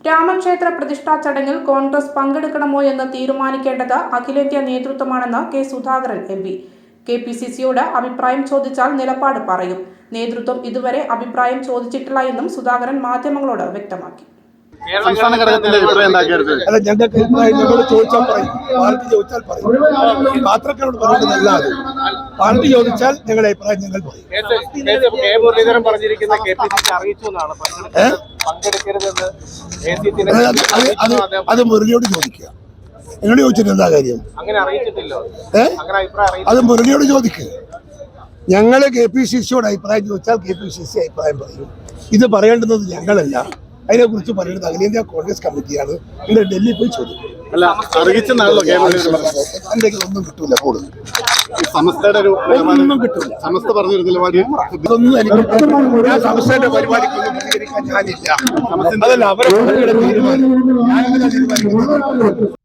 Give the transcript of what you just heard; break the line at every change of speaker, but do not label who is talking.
രാമക്ഷേത്ര പ്രതിഷ്ഠാ ചടങ്ങിൽ കോൺഗ്രസ് പങ്കെടുക്കണമോ എന്ന് തീരുമാനിക്കേണ്ടത് അഖിലേന്ത്യാ നേതൃത്വമാണെന്ന് കെ സുധാകരൻ എം.പി. കെ.പി.സി.സിയോട് അഭിപ്രായം ചോദിച്ചാൽ നിലപാട് പറയും. നേതൃത്വം ഇതുവരെ അഭിപ്രായം ചോദിച്ചിട്ടില്ല എന്നും സുധാകരൻ മാധ്യമങ്ങളോട് വ്യക്തമാക്കി.
അല്ല, ഞങ്ങൾക്ക് ഞങ്ങളോട് ചോദിച്ചാൽ പറയും, പാർട്ടി ചോദിച്ചാൽ പറയും. പാത്രക്കാരോട് പറയുന്നതല്ലാതെ പാർട്ടി ചോദിച്ചാൽ ഞങ്ങളുടെ അഭിപ്രായം ഞങ്ങൾ പറയും. അത് മുരളിയോട് ചോദിക്കുക. എന്നോട് ചോദിച്ചിട്ട് എന്താ കാര്യം? അത് മുരളിയോട് ചോദിക്കുക. ഞങ്ങള് കെ.പി.സി.സിയോട് അഭിപ്രായം ചോദിച്ചാൽ കെ.പി.സി.സി അഭിപ്രായം പറയും. ഇത് പറയേണ്ടുന്നത് ഞങ്ങളല്ല, അതിനെക്കുറിച്ച് പറയുന്നത് അഖിലേന്ത്യാ കോൺഗ്രസ് കമ്മിറ്റിയാണ്. നിങ്ങൾ ഡൽഹി പോയി ചോദിക്കും. ഒന്നും കിട്ടൂല, കൂടുതൽ ഒന്നും കിട്ടൂല. ഇതൊന്നും എനിക്ക് ഞാൻ സംസ്ഥയുടെ പരിപാടിക്കൊന്നും പ്രതികരിക്കാൻ ഞാനില്ല. അതല്ല അവരെ തീരുമാനം.